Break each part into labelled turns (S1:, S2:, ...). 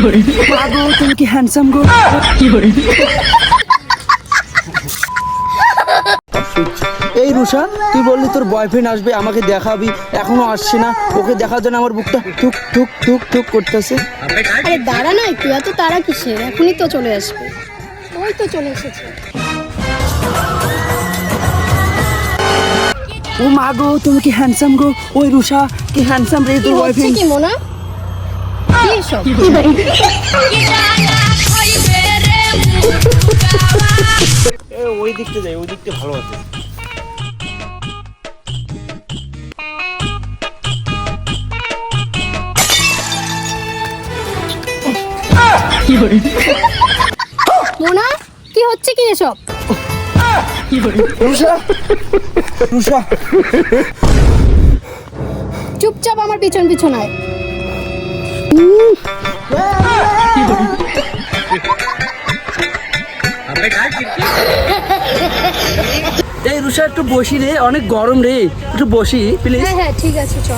S1: গো তুমি কি হ্যান্ডসাম গো। এই রুষা, তুই বললি তোর বয়ফ্রেন্ড আসবে, আমাকে দেখাবি, এখনো আসছে না। ওকে দেখার জন্য আমার বুকটা টুক টুক টুক টুক করতেছে।
S2: আরে দাঁড়া না একটু, এত তারা কিসের? এখনই তো চলে আসবে। ওই তো চলে এসেছে।
S1: ও মা গো তুমি কি হ্যান্ডসাম গো। ওই রুষা কি হ্যান্ডসাম রে
S2: কি
S1: তোর
S2: হচ্ছে
S1: বয়ফ্রেন্ড।
S2: কি মোনা? কি এসব?
S3: ওই দিকটা যাই, ওই দিকটা ভালো আছে।
S2: মোনা কি হচ্ছে কি এসব?
S1: রুষা রুষা
S2: চুপচাপ আমার পিছন পিছন আয়।
S1: এই রুষা একটু বসি রে, অনেক গরম রে, একটু বসি প্লিজ।
S2: হ্যাঁ হ্যাঁ ঠিক আছে চল।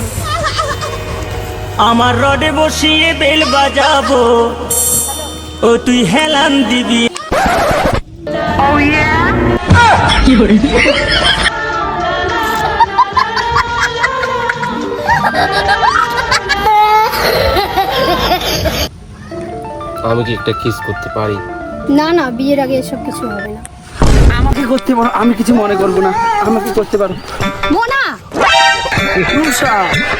S4: আমার রডে বসিয়ে বেল বাজাবো, ও তুই হেলান দিবি।
S3: আমি কি একটা কিস করতে পারি?
S2: না না, বিয়ের আগে এসব কিছু হবে না।
S1: আমাকে করতে পারো, আমি কিছু মনে করবো না, আমাকে করতে পারো।
S2: মোনা
S1: রুষা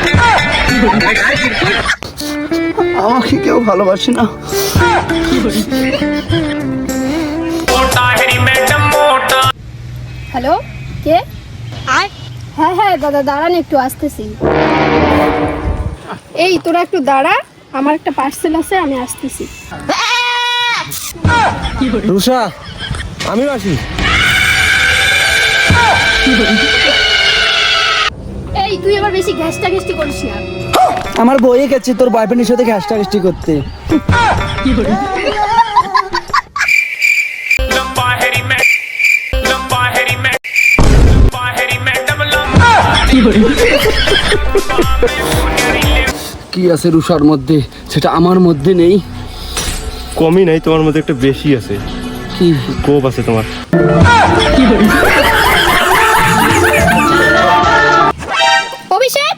S1: আমাকে কেউ ভালোবাসে না।
S2: হ্যালো, কে? হ্যাঁ হ্যাঁ দাদা দাঁড়ান একটু, আসতেছি। এই তোরা একটু দাঁড়া, আমার একটা পার্সেল আছে, আমি আসতেছি।
S3: রুষা আমিও আসি।
S2: এই তুই আবার বেশি ঘ্যাসটা ঘেষ্টি করিস না।
S1: আমার বইয়ে গেছে তোর বয়ফ্রেন্ডের সাথে ঘ্যাসটা ঘেষ্টি করতে। কি আছে রুষার মধ্যে, সেটা আমার মধ্যে নেই।
S3: কমই নাই, তোমার মধ্যে একটা বেশি আছে।
S1: কি
S3: কোপ আছে তোমার।
S2: অভিষেক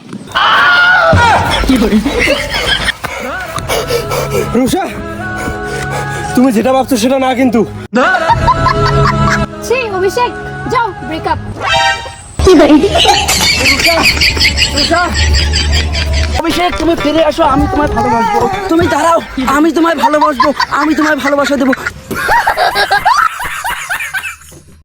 S3: রুষা তুমি যেটা ভাবছো সেটা না কিন্তু।
S2: ছি অভিষেক, যাও ব্রেকআপ।
S1: অভিষেক তুমি ফিরে আসো, আমি তোমায় ভালোবাসবো। তুমি দাঁড়াও, আমি তোমায় ভালোবাসবো, আমি তোমায় ভালোবাসা দেবো।